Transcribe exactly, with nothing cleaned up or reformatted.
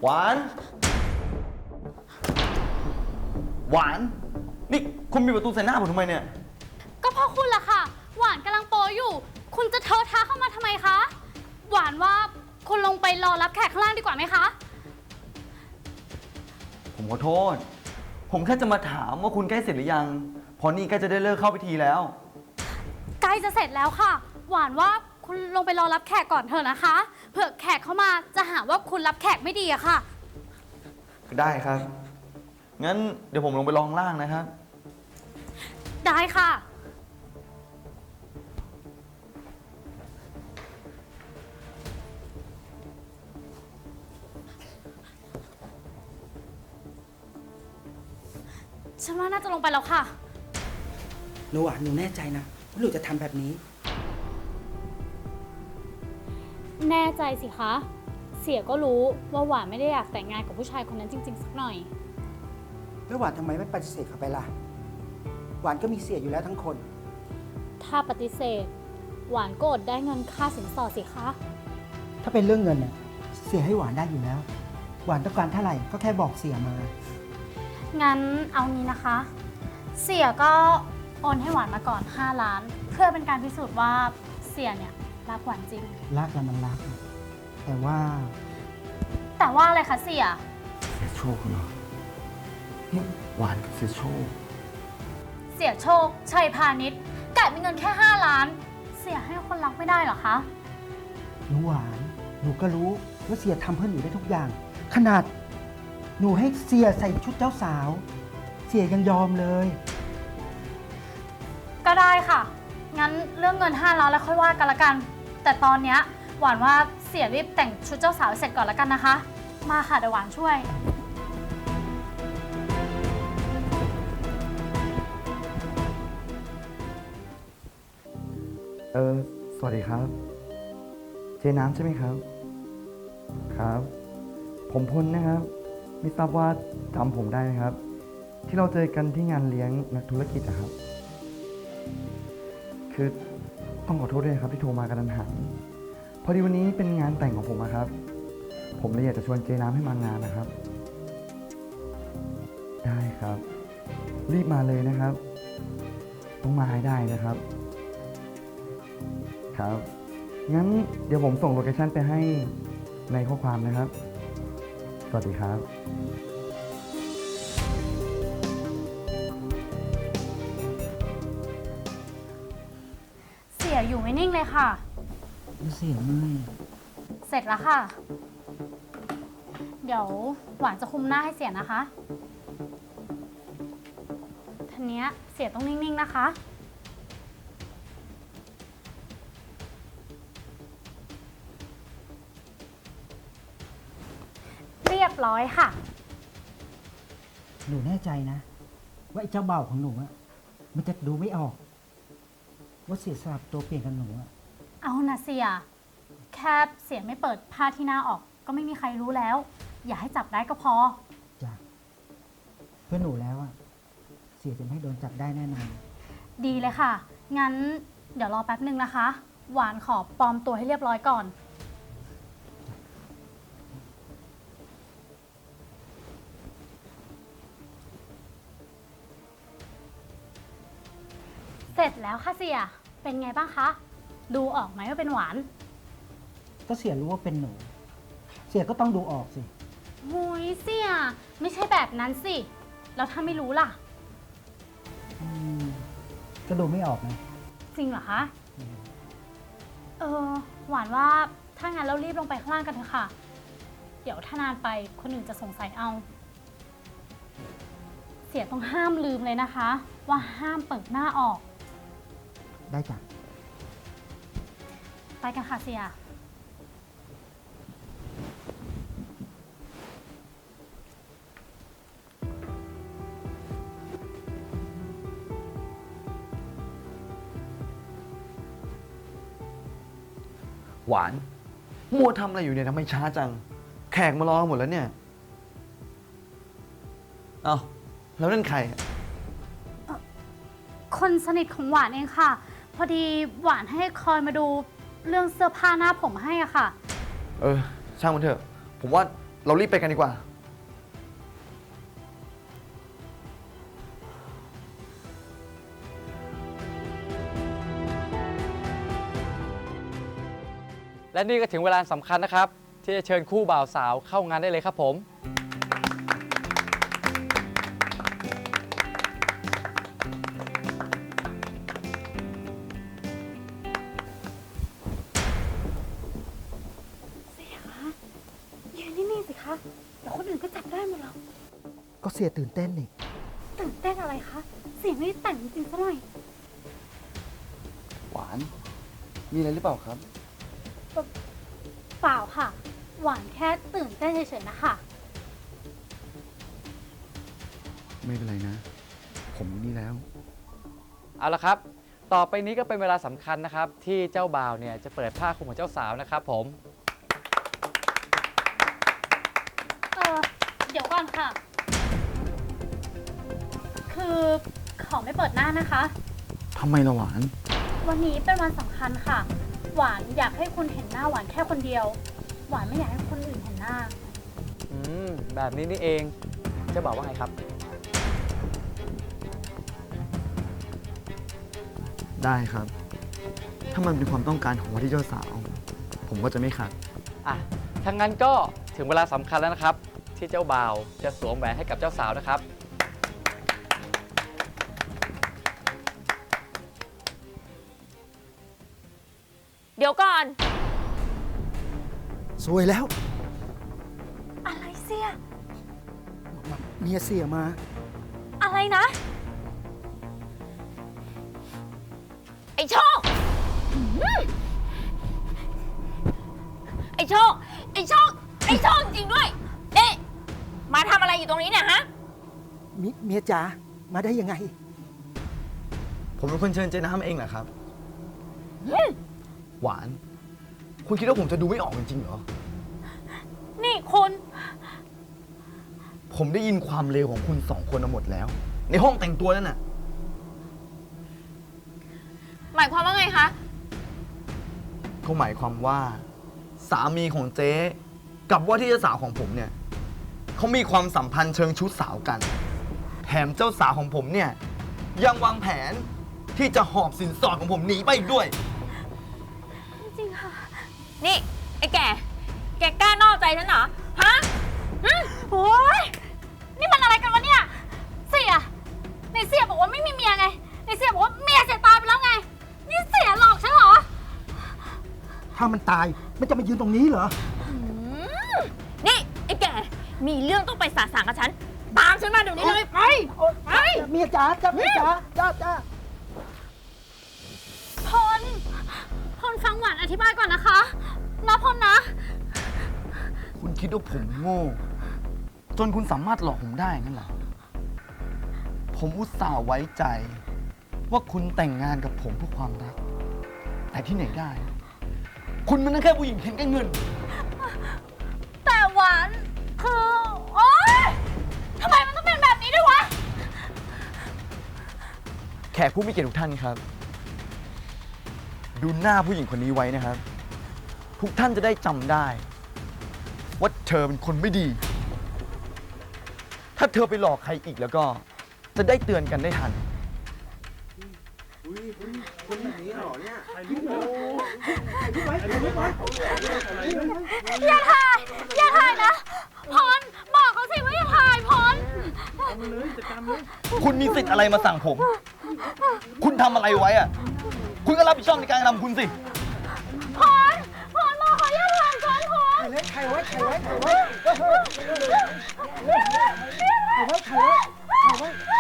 หวาน หวาน นี่คุณมีประตูใส่หน้าผมทำไมเนี่ยก็เพราะคุณล่ะค่ะ หวานกำลังโปรอยู่ คุณจะเทอะทะเข้ามาทำไมคะ หวานว่าคุณลงไปรอรับแขกข้างล่างดีกว่าไหมคะผมขอโทษ ผมแค่จะมาถามว่าคุณใกล้เสร็จหรือยังเพราะนี่ใกล้จะได้เลิกเข้าพิธีแล้วใกล้จะเสร็จแล้วค่ะ หวานว่าคุณลงไปรอรับแขกก่อนเถอะนะคะ เผื่อแขกเข้ามาจะหาว่าคุณรับแขกไม่ดีอะค่ะได้ครับ งั้นเดี๋ยวผมลงไปรอข้างล่างนะครับได้ค่ะ ฉันว่าน่าจะลงไปแล้วค่ะหนูหวานหนูแน่ใจนะว่าหนูจะทำแบบนี้แน่ใจสิคะ เสียก็รู้ว่าหวานไม่ได้อยากแต่งงานกับผู้ชายคนนั้นจริงๆสักหน่อยแล้วหวานทำไมไม่ปฏิเสธเขาไปล่ะ หวานก็มีเสียอยู่แล้วทั้งคนถ้าปฏิเสธ หวานก็อดได้เงินค่าสินสอดสิคะถ้าเป็นเรื่องเงินเนี่ยเสียให้หวานได้อยู่แล้ว หวานต้องการเท่าไหร่ก็แค่บอกเสียมางั้นเอางี้นะคะ เสียก็โอนให้หวานมาก่อนห้าล้าน เพื่อเป็นการพิสูจน์ว่าเสียเนี่ยรักหวานจริงรักแล้วมันรัก แต่ว่าแต่ว่าอะไรคะเสียเสียโชคเหรอนี่หวานกับเสียโชคเสียโชค ชัยพาณิชย์กะมีเงินแค่ห้าล้าน เสียให้คนรักไม่ได้เหรอคะหนูหวาน หนูก็รู้ว่าเสียทำเพื่อหนูได้ทุกอย่าง ขนาด หนูให้เสียใส่ชุดเจ้าสาว เสียยังยอมเลยก็ได้ค่ะ งั้นเรื่องเงินห้าล้านแล้วค่อยว่ากันละกัน แต่ตอนเนี้ยหวานว่าเสียรีบแต่งชุดเจ้าสาวเสร็จก่อนละกันนะคะ มาค่ะเดี๋ยวหวานช่วยเออ สวัสดีครับ เจน้ำใช่ไหมครับ ครับ ผมพลนะครับ ไม่ทราบว่าจำผมได้ไหมครับ ที่เราเจอกันที่งานเลี้ยงนักธุรกิจนะครับ คือต้องขอโทษด้วยนะครับที่โทรมากระทันหันพอดีวันนี้เป็นงานแต่งของผมนะครับ ผมเลยอยากจะชวนเจน้ำให้มางานนะครับ ได้ครับ รีบมาเลยนะครับ ต้องมาให้ได้นะครับ ครับ งั้นเดี๋ยวผมส่งโลเคชั่นไปให้ในข้อความนะครับ สวัสดีครับเสียอยู่ไม่นิ่งเลยค่ะเสียเมื่อยเสร็จแล้วค่ะ เดี๋ยวหวานจะคุมหน้าให้เสียนะคะทีเนี้ยเสียต้องนิ่งๆนะคะ เรียบร้อยค่ะหนูแน่ใจนะ ว่าไอ้เจ้าเบ่าวของหนูอะมันจะดูไม่ออก ว่าเสียสลับตัวเปลี่ยนกับหนูอะเอานะเสีย แค่เสียไม่เปิดผ้าที่หน้าออก ก็ไม่มีใครรู้แล้ว อย่าให้จับได้ก็พอจ้ะเพื่อหนูแล้วอะเสียจะไม่ให้โดนจับได้แน่นอนดีเลยค่ะ งั้นเดี๋ยวรอแป๊บหนึ่งนะคะ หวานขอปลอมตัวให้เรียบร้อยก่อน เสร็จแล้วค่ะเสีย เป็นไงบ้างคะ ดูออกไหมว่าเป็นหวานก็เสียรู้ว่าเป็นหนู เสียก็ต้องดูออกสิหุยเสีย ไม่ใช่แบบนั้นสิ แล้วถ้าไม่รู้ล่ะอืมก็ดูไม่ออกนะจริงเหรอคะ เออ หวานว่าถ้างั้นเรารีบลงไปข้างล่างกันเถอะค่ะ เดี๋ยวถ้านานไปคนอื่นจะสงสัยเอา เสียต้องห้ามลืมเลยนะคะ ว่าห้ามเปิดหน้าออกได้จ้ะไปกันค่ะเสียหวาน มัวทำอะไรอยู่เนี่ยทำไมช้าจัง แขกมารอกันหมดแล้วเนี่ย เอ้า แล้วนั่นใครอะคนสนิทของหวานเองค่ะ พอดีหวานให้คอยมาดูเรื่องเสื้อผ้าหน้าผมให้อะค่ะเออ ช่างมันเถอะ ผมว่าเรารีบไปกันดีกว่าและนี่ก็ถึงเวลาสำคัญนะครับ ที่จะเชิญคู่บ่าวสาวเข้างานได้เลยครับผมเสียคะยืนนิ่งๆสิคะ เดี๋ยวคนอื่นก็จับได้หมดหรอกก็เสียตื่นเต้นนี่ตื่นเต้นอะไรคะ เสียไม่ได้แต่งจริงๆซะหน่อยหวาน มีอะไรหรือเปล่าครับเปล่าค่ะ หวานแค่ตื่นเต้นเฉยๆนะคะไม่เป็นไรนะ ผมนี่แล้วเอาละครับ ต่อไปนี้ก็เป็นเวลาสำคัญนะครับ ที่เจ้าบ่าวเนี่ยจะเปิดผ้าคลุมของเจ้าสาวนะครับผมเออเดี๋ยวก่อนค่ะ คือขอไม่เปิดหน้านะคะทำไมล่ะหวานวันนี้เป็นวันสำคัญค่ะ หวานอยากให้คุณเห็นหน้าหวานแค่คนเดียว หวานไม่อยากให้คนอื่นเห็นหน้าอืม แบบนี้นี่เองเจ้าบ่าวว่าไงครับได้ครับ ถ้ามันเป็นความต้องการของว่าที่เจ้าสาว ผมก็จะไม่ขัดอ่ะถ้างั้นก็ถึงเวลาสำคัญแล้วนะครับ ที่เจ้าบ่าวจะสวมแหวนให้กับเจ้าสาวนะครับเดี๋ยวก่อนสวยแล้วอะไรเสียเมียเสียมาอะไรนะ ไอ้โชคหืมไอ้โชค ไอ้โชค ไอ้โชคจริงด้วยเอ๊ะมาทำอะไรอยู่ตรงนี้เนี่ยฮะมิเมียจ๋า มาได้ยังไงผมเป็นคนเชิญเจน้ำเองเหรอครับอืมหวาน คุณคิดว่าผมจะดูไม่ออกจริงๆเหรอนี่คุณผมได้ยินความเลวของคุณสองคนมาหมดแล้ว ในห้องแต่งตัวนั่นน่ะหมายความว่าไงคะก็หมายความว่า สามีของเจ๊กับว่าที่เจ้าสาวของผมเนี่ยเขามีความสัมพันธ์เชิงชู้สาวกัน แถมเจ้าสาวของผมเนี่ยยังวางแผนที่จะหอบสินสอดของผมหนีไปอีกด้วยจริงค่ะนี่ ไอ้แก แกกล้านอกใจฉันเหรอ ฮะอืมโอ้ยนี่มันอะไรกันวะเนี่ย เสียในเสียบอกว่าไม่มีเมียไงในเสียบอกว่าเมียเสียตายไปแล้วไง นี่เสียหลอกฉันเหรอถ้ามันตาย มันจะมายืนตรงนี้เหรออืมนี่ ไอ้แก มีเรื่องต้องไปสาสางกับฉัน ตามฉันมาเดี๋ยวนี้เลย ไป ไปเมียจ๋าจ้าเมียจ๋าจ้าจ้าพล พลฟังหวานอธิบายก่อนนะคะนะพลนะคุณคิดว่าผมโง่ จนคุณสามารถหลอกผมได้งั้นเหรอ ผมอุตส่าห์ไว้ใจ ว่าคุณแต่งงานกับผมเพื่อความรัก แต่ที่ไหนได้ คุณมันนั่นแค่ผู้หญิงเห็นแก่เงินแต่หวานคือ โอ๊ยทำไมมันต้องเป็นแบบนี้ด้วยวะแขกผู้มีเกียรติทุกท่านครับ ดูหน้าผู้หญิงคนนี้ไว้นะครับ ทุกท่านจะได้จำได้ ว่าเธอเป็นคนไม่ดี ถ้าเธอไปหลอกใครอีกแล้วก็ จะได้เตือนกันได้ทันอย่าถ่าย อย่าถ่ายนะ พล บอกเขาสิว่าอย่าถ่ายพลคุณมีสิทธิ์อะไรมาสั่งผม คุณทำอะไรไว้อะคุณก็รับผิดชอบในการกระทำคุณสิพล พลบอกเขาอย่าถ่ายก่อนพลใครไว้ใครไว้ใครไว้ใครไว้ใครไว้ใครไว้